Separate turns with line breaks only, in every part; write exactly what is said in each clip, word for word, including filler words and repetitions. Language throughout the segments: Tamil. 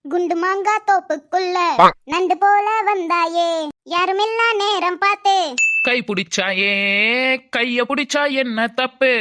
குண்டு மாங்கா தோப்புக்குள்ள நண்டு போல வந்தாயே யாருமில்லா நேரம் பார்த்து
கை பிடிச்சாயே கைய பிடிச்சா என்ன தப்பு?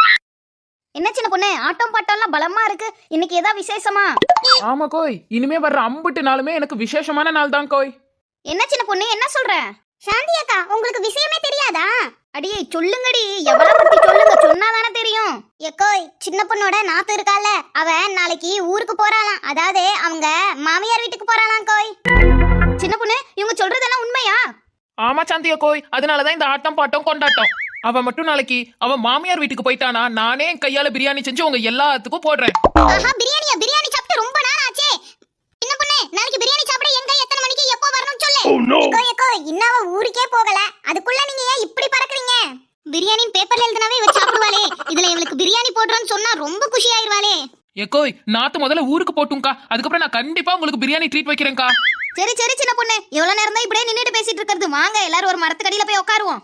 என்ன சின்ன பொண்ணு, ஆட்டம் பாட்டம்லாம் பலமா இருக்கு. இன்னைக்கு ஏதா விசேஷமா?
ஆமா கோய், இனிமே வர்ற அம்புட்டு நாளுமே எனக்கு விசேஷமான நாள் தான் கோய்.
என்ன சின்ன பொண்ணு, என்ன சொல்ற?
சாந்தி அக்கா, உங்களுக்கு விஷயமே தெரியாதா?
அடியே சொல்லுங்கடி, எவ்வளவு பத்தி சொல்லுங்க, சொன்னாதானே தெரியும்.
எக்கோய், சின்ன பொண்ணோட நாத்து இருக்கால, அவ நாளைக்கு ஊருக்கு போறாளாம். அதாவது அவங்க மாமியார் வீட்டுக்கு போறாளாம் கோய்.
சின்ன பொண்ணு, இவங்க சொல்றதெல்லாம் உண்மையா?
ஆமா சாந்தியா கோய், அதனாலதான் இந்த ஆட்டம் பாட்டம் கொண்டாட்டம். அவ மட்டும் நாளைக்கு அவ மாமியார் வீட்டுக்கு போயிட்டானா நானே என் கையால பிரியாணி செஞ்சு உங்க எல்லாத்துக்கும் போடுறேன்.
ஆஹா, பிரியாணியா? பிரியாணி சாப்பிட்டு ரொம்ப நாள் ஆச்சே. சின்ன பொண்ணு, நாளைக்கு பிரியாணி சாப்பிட எங்க எத்தனை மணிக்கு எப்போ வரணும்னு சொல்லு. எக்கோய் எக்கோய், இன்னவ ஊருக்கே போகல, அதுக்குள்ள நீங்க ஏன் இப்படி பறக்குறீங்க? பிரியாணி பேப்பர்ல எழுதினாவே இவ சாப்பிடுவாளே, இதுல இவளுக்கு பிரியாணி போடுறோம்னு சொன்னா ரொம்ப குஷி ஆயிருவாளே.
எக்கோய், நாத்து முதல்ல ஊருக்கு போட்டும்க்கா, அதுக்கப்புறம் நான் கண்டிப்பா உங்களுக்கு பிரியாணி ட்ரீட் வைக்கிறேன்க்கா.
சரி சரி சின்ன பொண்ணு, எவ்வளவு நேரம் தான் இப்படியே நின்னுட்டு பேசிட்டு இருக்கிறது? வாங்க எல்லாரும் ஒரு மரத்துக்கடியில போய் உட்காருவோம்.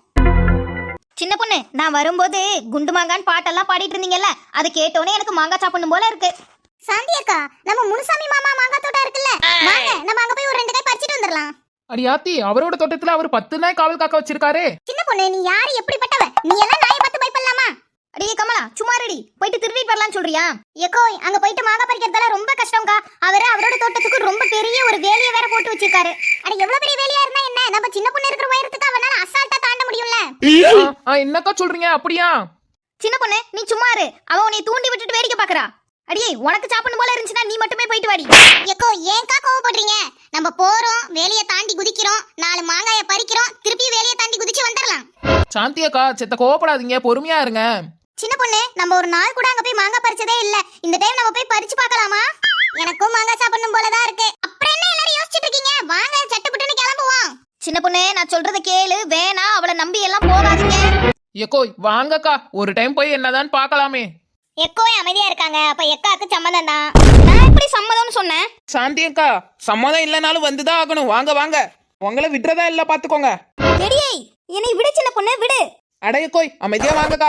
சின்ன பொண்ணு, நான் வரும்போது குண்டு மாங்கான்னு பாட்டெல்லாம் பாடிட்டு இருந்தீங்கல்ல, அதை கேட்டோன்னே எனக்கு மாங்காய் சாப்பிடணும் போல இருக்கு.
சாந்தி அக்கா, நம்ம முனுசாமி மாமா மாங்காய் தோட்டம் இருக்குல்ல, வாங்க நம்ம அங்க போய் ஒரு ரெண்டு காய் பறிச்சிட்டு வந்துடலாம்.
அடியாத்தி, அவரோட தோட்டத்துல அவர் பத்து நாய் காவல் காக்க வச்சிருக்காரு.
சின்ன பொண்ணு, நீ யாரு எப்படிப்பட்டவ? நீ எல்லாம் நாயை பார்த்து பயப்படலாமா?
அடியே கமலா, சும்மா ரெடி போயிட்டு திருடிட்டு வரலாம்னு சொல்றியா?
எக்கோய், அங்க போயிட்டு மாங்காய் பறிக்கிறதால ரொம்ப கஷ்டம்க்கா. அவரு அவரோட தோட்டத்துக்கு ரொம்ப பெரிய ஒரு வேலியை வேற போட்டு வச்சிருக்காரு. அட, எவ்வளவு பெரிய வேலியா இருந்தா என்ன, நம்ம சின்ன பொண்ணு இருக்கிற உயரத்துக்கு அவனால அசால்ட்டா தாண்ட முடியும்ல.
என்னக்கா சொல்றீங்க? அப்படியா?
சின்ன பொண்ணு, நீ சும்மா இரு, அவ உன்னை தூண்டி விட்டுட்டு வேடிக்கை பாக்குறா. அடியே, உனக்கு சாப்பிடணும் போல இருந்துச்சுன்னா நீ மட்டுமே போயிட்டு வாடி.
எக்கோ, ஏன்க்கா கோவப்படுறீங்க? நம்ம போறோம், வேலியை தாண்டி குதிக்கிறோம், நாலு மாங்காயை பறிக்கிறோம், திருப்பி வேலியை தாண்டி குதிச்சு வந்துடலாம்.
சாந்தியக்கா, செத்த கோவப்படாதீங்க, பொறுமையா இருங்க.
சின்ன பொண்ணு, நம்ம ஒரு நாள் கூட அங்க போய் மாங்காய் பறிச்சதே இல்ல. இந்த டைம் நம்ம போய் பறிச்சு பார்க்கலாமா? எனக்கும் மாங்காய் சாப்பிடணும் போலதான் இருக்கு. அப்புறம் என்ன எல்லாரும் யோசிச்சுட்டு இருக்கீங்க? வாங்க சட்டுப்புட்டுன்னு கிளம்புவோம்.
சின்ன பொண்ணு, நான் சொல்றத கேளு, வேணா அவளை நம்பி எல்லாம் போகாதீங்க.
எக்கோய், வாங்கக்கா, ஒரு டைம் போய் என்னதான் பார்க்கலாமே.
எக்கோய் அமைதியா இருக்காங்க, அப்ப எக்காக்கு சம்மதம் தான்.
நான் எப்படி சம்மதம்னு சொன்னேன்?
சாந்தியக்கா, சம்மதம் இல்லனாலும் வந்துதான் ஆகணும். வாங்க வாங்க, உங்களை விடுறதா இல்ல பாத்துக்கோங்க.
எடியே, என்னை விடு சின்ன பொண்ணு, விடு.
அடையக்கோய், அமைதியா வாங்கக்கா.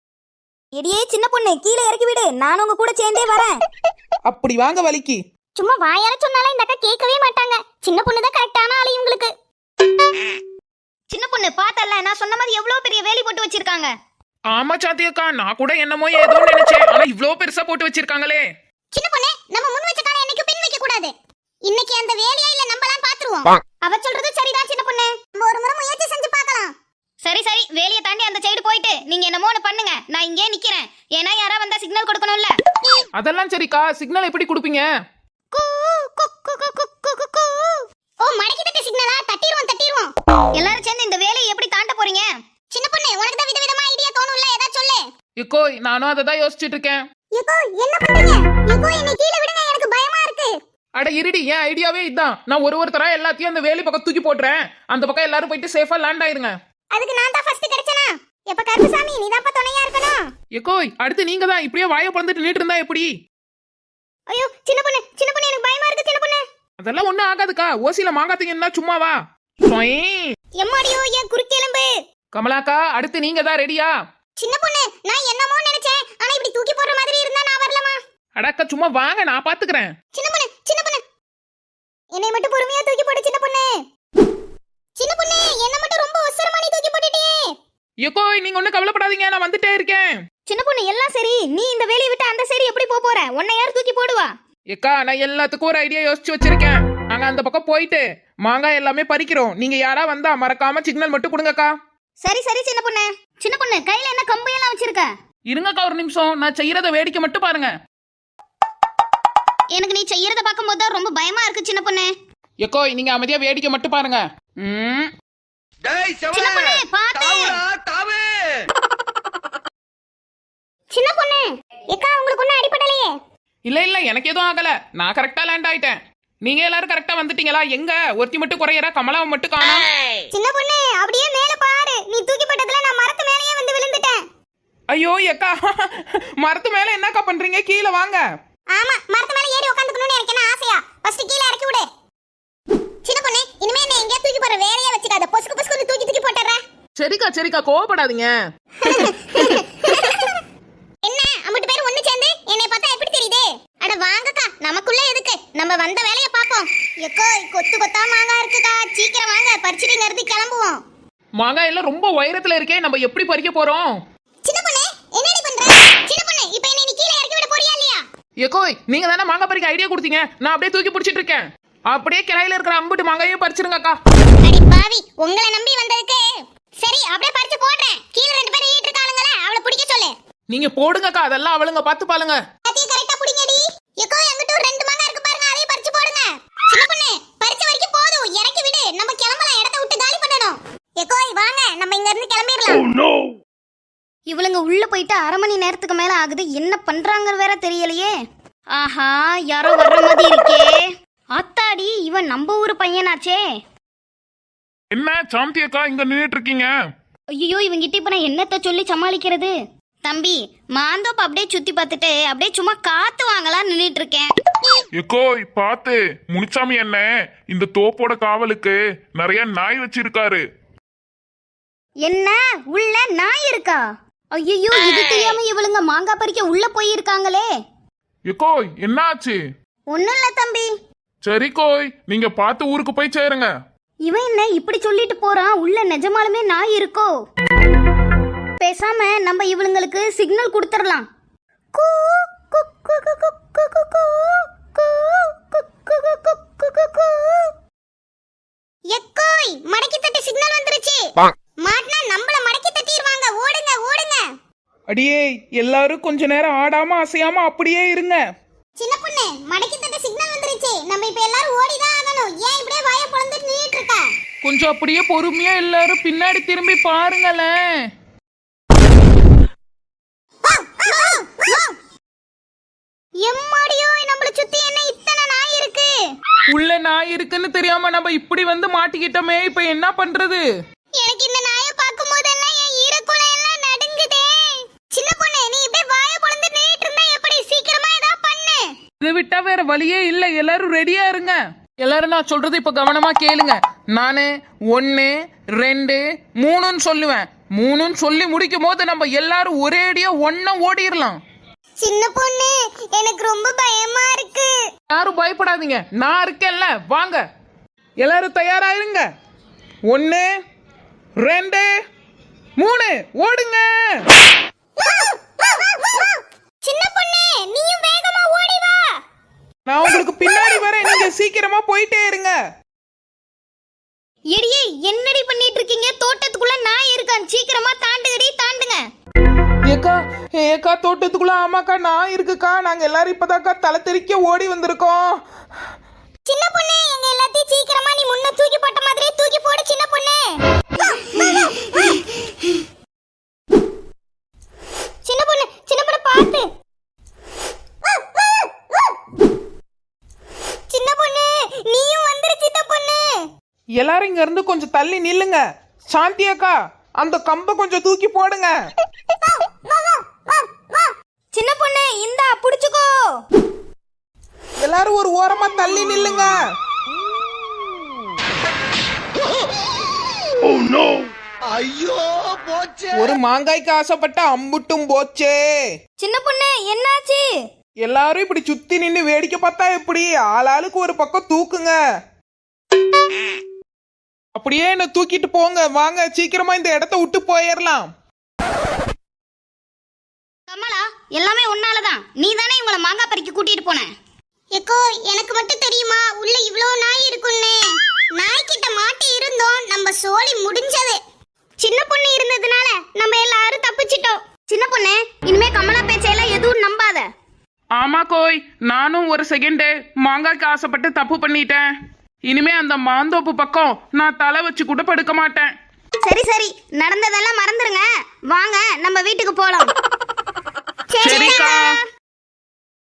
எடியே சின்ன பொண்ணு, கீழே இறக்கி விடு, நான் உங்க கூட சேர்ந்தே வரேன்.
அப்படி வாங்க வலிக்கு.
சும்மா வாயால சொன்னாலும் இந்த அக்கா கேட்கவே மாட்டாங்க. சின்ன பொண்ணு தான் கரெக்டான ஆளு இவங்களுக்கு.
சின்ன பொண்ணு, பார்த்தல நான் சொன்ன மாதிரி எவ்வளவு பெரிய வேலி போட்டு வச்சிருக்காங்க.
ஆமா சாந்தியக்கா, நான் கூட என்னமோ ஏதோ நினைச்சேன், ஆனா இவ்ளோ பெருசா போட்டு வச்சிருக்காங்களே.
சின்ன பொண்ணு, நம்ம முன் வச்ச காலை என்னைக்கு பின் வைக்க கூடாது. இன்னைக்கு அந்த வேலையா இல்ல நம்மலாம் பாத்துருவோம். அவ சொல்றது சரிதான் சின்ன பொண்ணு, நம்ம ஒரு முறை முயற்சி செஞ்சு பார்க்கலாம்.
சரி சரி, வேலியை தாண்டி அந்த சைடு போயிட்டு நீங்க என்னமோ ஒண்ணு பண்ணுங்க, நான் இங்கே நிக்கிறேன். ஏன்னா யாரா வந்தா சிக்னல் கொடுக்கணும்ல.
அதெல்லாம் சரிக்கா, சிக்னல் எப்படி கொடுப்பீங்க?
ஓ, மடக்கி தட்ட சிக்னலா? தட்டிடுவோம் தட்டிடுவோம்.
எல்லாரும் சேர்ந்து இந்த வேலையை எப்படி தாண்ட போறீங்க?
சின்ன பொண்ணு, உனக்கு தான் விதவிதமா ஐடியா தோணும்ல, ஏதா சொல்லு.
எக்கோய், நானும் அதை தான் யோசிச்சுட்டு இருக்கேன்.
எக்கோ, என்ன பண்றீங்க? எக்கோ, என்னை கீழ விடுங்க, எனக்கு பயமா இருக்கு.
அட இருடி, என் ஐடியாவே இதான். நான் ஒரு ஒருத்தரா எல்லாத்தையும் அந்த வேலி பக்கம் தூக்கி போட்டுறேன். அந்த பக்கம் எல்லாரும் போயிட்டு சேஃபா லேண்ட் ஆயிருங்க.
அதுக்கு நான் தான் ஃபர்ஸ்ட் கிடைச்சனா? எப்ப கருப்புசாமி, நீ தான் துணையா இருக்கணும்.
எக்கோய், அடுத்து நீங்க தான். இப்படியே வாயை பறந்துட்டு நின்று இருந்தா எப்படி?
ஐயோ சின்ன பொண்ணு, சின்ன பொண்ணு, எனக்கு பயமா இருக்கு சின்ன பொண்ணு.
அதெல்லாம் ஒண்ணும் ஆகாதுக்கா, ஓசில மாங்காத்தீங்கன்னா சும்மாவா?
எம்மாடியோ, என் குறுக்கெலும்பு.
கமலாக்கா, அடுத்து நீங்க தான். ரெடியா?
சின்ன பொண்ணு, நான் என்னமோ நினைச்சேன், ஆனா இப்படி தூக்கி போடுற மாதிரி இருந்தா நான் வரலமா?
அடக்கா, சும்மா வாங்க, நான் பாத்துக்கிறேன்.
சின்ன பொண்ணு, சின்ன பொண்ணு, என்னை மட்டும் பொறுமையா தூக்கி போடு சின்ன பொண்ணு. சின்ன பொண்ணு, என்ன மட்டும் ரொம்ப அவசரமா நீ தூக்கி போட்டுட்டே.
எக்கோய், நீங்க ஒண்ணும் கவலைப்படாதீங்க, நான் வந்துட்டே இருக்கேன்.
சின்ன பொண்ணு, எல்லாம் சரி, நீ இந்த வேலையை விட்டு அந்த சைடு எப்படி போக போற? உன்னை யார் தூக்கி போடுவா?
ஏக்கா, நான் எல்லாத்துக்கும் ஒரு ஐடியா யோசிச்சு வச்சிருக்கேன். நாங்க அந்த பக்கம் போயிட்டு மாங்காய் எல்லாமே பறிக்கிறோம். நீங்க யாரா வந்தா மறக்காம சிக்னல் மட்டும் கொடுங்கக்கா.
சரி சரி சின்ன பொண்ணு. சின்ன பொண்ணு, கையில என்ன கம்பு எல்லாம் வச்சிருக்க?
இருங்கக்கா, ஒரு நிமிஷம், நான் செய்யறத வேடிக்கை மட்டும் பாருங்க.
எனக்கு நீ செய்யறத பார்க்கும்போது தான் ரொம்ப பயமா இருக்கு சின்ன பொண்ணு.
எக்கோய், நீங்க அமைதியா வேடிக்கை மட்டும் பாருங்க. ம்.
சின்ன பொண்ணு, பாத்து.
சின்ன பொண்ணு, ஏக்கா, உங்களுக்கு ஒண்ணும் அடிபடலையே?
இல்ல இல்ல, எனக்கு எதுவும் ஆகல, நான் கரெக்டா லேண்ட் ஆயிட்டேன். நீங்க எல்லாரும் கரெக்டா வந்துட்டீங்களா? எங்க ஒருத்தி மட்டும் குறையறா, கமலாவை மட்டும் காணோம்.
சின்ன பொண்ணு, அப்படியே மேல பாரு, நீ தூக்கி போட்டதுல நான் மரத்து மேலயே வந்து விழுந்துட்டேன்.
ஐயோ எக்கா, மரத்து மேல என்னக்கா பண்றீங்க? கீழே வாங்க.
ஆமா, மரத்து மேல ஏறி உட்கார்ந்துக்கணும்னு எனக்கு என்ன ஆசையா? ஃபர்ஸ்ட் கீழ இறக்கி விடு. சின்ன பொண்ணு, இனிமே என்ன எங்கயா தூக்கி போற வேலையே வச்சுக்காத, பொசுக்கு பொசுக்கு தூக்கி தூக்கி போட்டறற.
சரிக்கா சரிக்கா, கோவப்படாதீங்க.
என்ன அம்மட்டு பேர் ஒண்ணு சேர்ந்து என்னை பார்த்தா எப்படி தெரியுது? அட வாங்கக்கா, நமக்குள்ள எதுக்கு? நம்ம வந்த வேலைய எக்கோ கொத்து கொத்தா மாங்காய் இருக்குக்கா, சீக்கிரம் வாங்க பறிச்சுட்டு இங்க இருந்து கிளம்புவோம்.
மாங்காய் எல்லாம் ரொம்ப உயரத்துல இருக்கே, நம்ம எப்படி பறிக்க போறோம்?
சின்ன பொண்ணு என்னடி பண்ற? சின்ன பொண்ணு இப்போ என்ன நீ கீழே இறக்கி விட போறியா இல்லையா?
ஏக்கோய், நீங்க தானே மாங்காய் பறிக்க ஐடியா கொடுத்தீங்க, நான் அப்படியே தூக்கி பிடிச்சிட்டு இருக்கேன். அப்படியே கிளையில இருக்கிற அம்புட்டு மாங்காயும் பறிச்சிருங்கக்கா.
அடி பாவி, உங்களை நம்பி வந்ததுக்கு. சரி அப்படியே பறிச்சு போடுறேன். கீழே ரெண்டு பேரும் ஈட்டு இருக்கானுங்களே, அவளை பிடிக்க சொல்லு.
நீங்க போடுங்கக்கா, அதெல்லாம் அவளுங்க பார்த்து பாருங்க.
அதையும் கரெக்டா பிடிங்கடி. எக்கோ எங்கிட்ட ஒரு ரெண்டு மாங்காய் இருக்கு பாருங்க, அதையும் பறிச்சு போடுங்க. சின்ன பொண்ணு பறிச்ச வரைக்கும் போதும், இறக்கி விடு, நம்ம கிளம்பலாம், இடத்தை விட்டு காலி பண்ணணும். எக்கோய் வாங்க, நம்ம இங்க இருந்து கிளம்பிடலாம்.
இவளுங்க உள்ள போயிட்டு அரை மணி நேரத்துக்கு மேல ஆகுது, என்ன பண்றாங்க வேற தெரியலையே. ஆஹா, யாரோ வர்ற மாதிரி இருக்கே. ஆத்தாடி, இவன் நம்ம ஊரு பையனாச்சே.
என்ன சாந்தி அக்கா இங்க நின்னுட்டு இருக்கீங்க?
ஐயோ, இவங்கிட்ட இப்ப நான் என்னத்த சொல்லி சமாளிக்கிறது? தம்பி, மாந்தோப்பு அப்படியே சுத்தி பார்த்துட்டு அப்படியே சும்மா காத்து வாங்கலாம் நின்னுட்டு இருக்கேன்.
எக்கோய் பாத்து, முனிச்சாமி என்ன இந்த தோப்போட காவலுக்கு நிறைய நாய் வச்சிருக்காரு.
என்ன உள்ள நாய் இருக்கா? ஐயோ, இது தெரியாம இவளுங்க மாங்காய் பறிக்க உள்ள போயிருக்காங்களே.
எக்கோய் என்ன ஆச்சு?
ஒண்ணும் இல்ல தம்பி.
சரி கோய், நீங்க பார்த்து ஊருக்கு போய் சேருங்க.
இவன் என்ன இப்படி சொல்லிட்டு போறான்? உள்ள நிஜமாலுமே நாய் இருக்கோ? பேசாம நம்ம இவளுங்களுக்கு சிக்னல் கொடுத்துடலாம். கூ, கு, கு, கு, கு, கு, கு, கு, கு, கு, கு, கு, கு, கு, கு, கு.
எக்கோய் மடக்கி தட்டி சிக்னல் வந்துருச்சு. மாட்டினா நம்மள மடக்கி தட்டிடுவாங்க, ஓடுங்க ஓடுங்க.
அடியே, எல்லாரும் கொஞ்ச நேரம் ஆடாம அசையாம அப்படியே இருங்க.
சின்ன பொண்ணு மடக்கி தட்டி சிக்னல் வந்துருச்சு, நம்ம இப்ப எல்லாரும் ஓடிதான் ஆகணும். ஏன் இப்படியே வாயை பொளந்துட்டு நின்னுட்டு இருக்க?
கொஞ்சம் அப்படியே பொறுமையா எல்லாரும் பின்னாடி திரும்பி பாருங்களேன்.
எம்மாடியோ, நம்மள சுத்தி என்ன இத்தனை நாய் இருக்கு?
உள்ள நாய் இருக்குன்னு தெரியாம நம்ம இப்படி வந்து மாட்டிக்கிட்டோமே, இப்ப என்ன பண்றது?
எனக்கு இந்த நாயை பார்க்கும் போதெல்லாம் என் ஈரக்குலை எல்லாம் நடுங்குதே. சின்ன பொண்ணு, நீ இப்படியே வாயை பொளந்து நின்னுட்டு இருந்தா எப்படி? சீக்கிரமா ஏதாவது பண்ணு.
இதை விட்டா வேற வழியே இல்ல, எல்லாரும் ரெடியா இருங்க. எல்லாரும் நான் சொல்றது இப்ப கவனமா கேளுங்க. நானு ஒன்னு ரெண்டு மூணுன்னு சொல்லுவேன். மூணுன்னு சொல்லி முடிக்கும் போது நம்ம எல்லாரும் ஒரேடியா ஒன்னா ஓடிடலாம்.
சின்ன பொண்ணு, எனக்கு ரொம்ப பயமா இருக்கு.
யாரும் பயப்படாதீங்க, நான் இருக்கேன்ல, வாங்க. எல்லாரும் தயாராயிருங்க. ஒன்னு ரெண்டு மூணு, ஓடுங்க.
சின்ன பொண்ணு, நீயும் வேகமா ஓடி வா.
நான் உங்களுக்கு பின்னாடி வரேன், நீங்க சீக்கிரமா போயிட்டே இருங்க.
எடியே, என்னடி பண்ணிட்டு இருக்கீங்க? தோட்டத்துக்குள்ள நாய் இருக்கான், சீக்கிரமா தாண்டுங்கடி, தாண்டுங்க.
ஏக்கா ஏக்கா தோட்டத்துக்குள்ள ஆமாக்கா நான் இருக்குக்கா. நாங்க எல்லாரும் இப்பதாக்கா தலை தெறிக்க ஓடி வந்திருக்கோம்.
சின்ன பொண்ணு, எங்க எல்லாத்தையும் சீக்கிரமா நீ முன்ன தூக்கி போட்ட மாதிரியே தூக்கி போடு சின்ன பொண்ணு. சின்ன பொண்ணு, சின்ன பொண்ணு பாத்து. சின்ன பொண்ணு, நீயும் வந்துரு சின்ன பொண்ணு.
எல்லாரும் இங்க இருந்து கொஞ்சம் தள்ளி நில்லுங்க. சாந்தி அக்கா, அந்த கம்பை கொஞ்சம் தூக்கி போடுங்க.
சின்ன பொண்ணு, இந்தா புடிச்சுக்கோ.
எல்லாரும் ஒரு ஓரமா தள்ளி நில்லுங்க. ஒரு மாங்காய்க்கு ஆசைப்பட்ட அம்புட்டும் போச்சே.
சின்ன பொண்ணு, என்னாச்சு?
எல்லாரும் இப்படி சுத்தி நின்னு வேடிக்கை பார்த்தா எப்படி? ஆளாளுக்கு ஒரு பக்கம் தூக்குங்க. அப்படியே என்ன தூக்கிட்டு போங்க. வாங்க, சீக்கிரமா இந்த இடத்த விட்டு போயிடலாம்.
கமலா, எல்லாமே உன்னாலதான். நீ தானே இவங்கள மாங்காய் பறிக்க கூட்டிட்டு போன.
எக்கோ, எனக்கு மட்டும் தெரியுமா உள்ள இவ்ளோ நாய் இருக்குன்னு? நாய்கிட்ட மாட்டி இருந்தோம், நம்ம சோலி முடிஞ்சது. சின்ன பொண்ணு இருந்ததுனால நம்ம எல்லாரும் தப்பிச்சிட்டோம்.
சின்ன பொண்ணு, இனிமே கமலா பேச்சையெல்லாம் எதுவும் நம்பாத.
ஆமா கோய், நானும் ஒரு செகண்ட் மாங்காய்க்கு ஆசைப்பட்டு தப்பு பண்ணிட்டேன். இனிமே அந்த மாந்தோப்பு பக்கம் நான் தலை வச்சு கூட படுக்க மாட்டேன்.
சரி சரி, நடந்ததெல்லாம் மறந்துருங்க. வாங்க நம்ம வீட்டுக்கு போலாம்.
சரிக்கா.